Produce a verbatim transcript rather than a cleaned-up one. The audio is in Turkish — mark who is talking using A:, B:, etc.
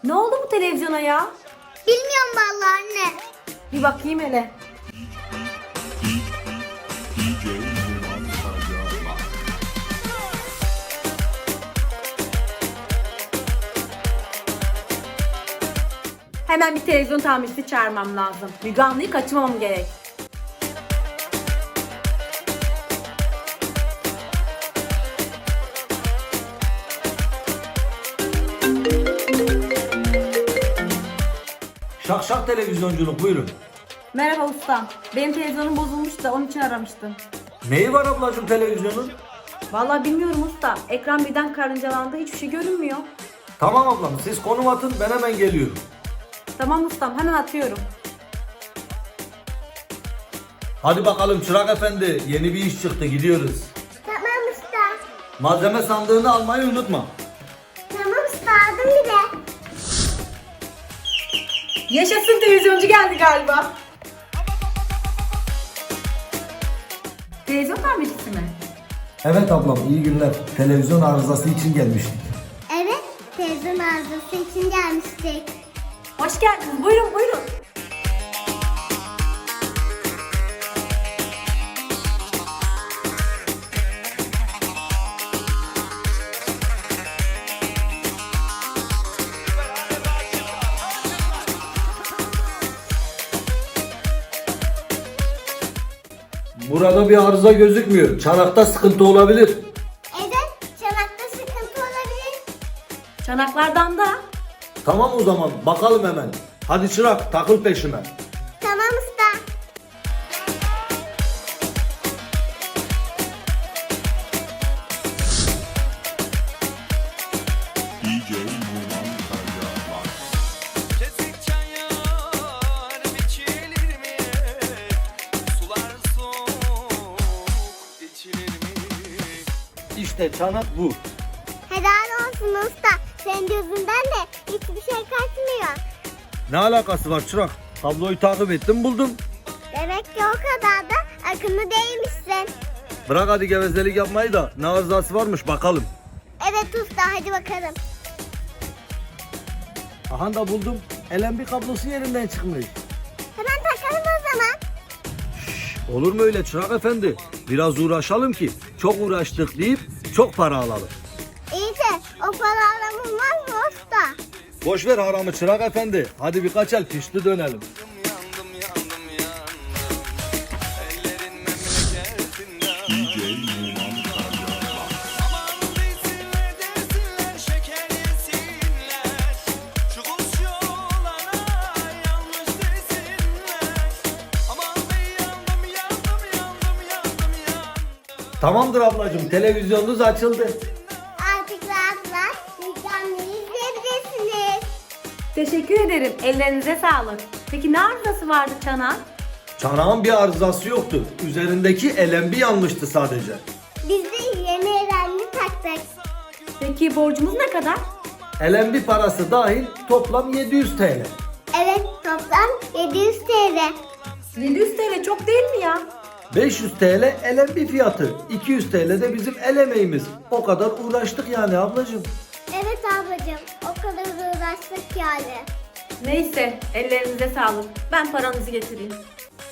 A: Ne oldu bu televizyona ya?
B: Bilmiyorum vallahi anne.
A: Bir bakayım hele. Hemen bir televizyon tamircisi çağırmam lazım. Müge Anlı'yı kaçırmamam gerek.
C: Şak şak televizyonculuk, buyurun.
A: Merhaba ustam. Benim televizyonum bozulmuş da onun için aramıştım.
C: Neyi var ablacığım televizyonun?
A: Vallahi bilmiyorum usta. Ekran birden karıncalandı. Hiçbir şey görünmüyor.
C: Tamam ablam, siz konum atın, ben hemen geliyorum.
A: Tamam ustam, hemen atıyorum.
C: Hadi bakalım Çırak Efendi, yeni bir iş çıktı, gidiyoruz.
B: Tamam usta.
C: Malzeme sandığını almayı unutma.
B: Tamam usta, aldım bile.
A: Yaşasın, televizyoncu geldi galiba. Televizyon tamircisi mi?
C: Evet ablam, iyi günler. Televizyon arızası için gelmiştik.
B: Evet, televizyon arızası için gelmiştik.
A: Hoş geldiniz. Buyurun buyurun.
C: Burada bir arıza gözükmüyor. Çanakta sıkıntı olabilir.
B: Evet, çanakta sıkıntı olabilir.
A: Çanaklardan da.
C: Tamam o zaman, bakalım hemen. Hadi Çırak, takıl peşime.
B: Tamam usta.
D: D J Numan Karaca Kesik çayır biçilir mi? Sular soğuk içilir mi?
C: İşte çanak bu.
B: Helal olsun usta. Senin gözünden de hiçbir şey kaçmıyor.
C: Ne alakası var Çırak? Tabloyu takip ettim, buldum.
B: Demek ki o kadar da akıllı değilmişsin.
C: Bırak hadi gevezelik yapmayı da ne arızası varmış bakalım.
B: Evet usta, hadi bakalım.
C: Aha da buldum. L M B kablosu yerinden çıkmış.
B: Hemen takalım o zaman.
C: Olur mu öyle Çırak Efendi? Biraz uğraşalım ki çok uğraştık deyip çok para alalım.
B: İyi de o para olmaz mı usta?
C: Boş ver haramı Çırak Efendi. Hadi birkaç el pişti dönelim.
D: Yandım yandım yandım ellerin memleketinden D J Numan Karaca Aman desinler desinler şeker yesinler Şu kuş yolana yanlış desinler Aman ben yandım yandım yandım yandım yandım
C: Tamamdır ablacığım, televizyonunuz açıldı.
B: Artık rahat rahat mükemmel izleyebilirsiniz.
A: Teşekkür ederim. Ellerinize sağlık. Peki ne arızası vardı çanağın?
C: Çanağın bir arızası yoktu. Üzerindeki L M B yanmıştı sadece.
B: Biz de yeni erenli taktık.
A: Peki borcumuz ne kadar?
C: L M B parası dahil toplam yedi yüz T L.
B: Evet, toplam yedi yüz T L.
A: yedi yüz TL çok değil mi ya?
C: beş yüz T L L M B fiyatı. iki yüz T L de bizim el emeğimiz. O kadar uğraştık yani ablacığım.
B: Evet ablacığım, o kadar uğraştık yani.
A: Neyse, ellerinize sağlık. Ben paranızı getireyim.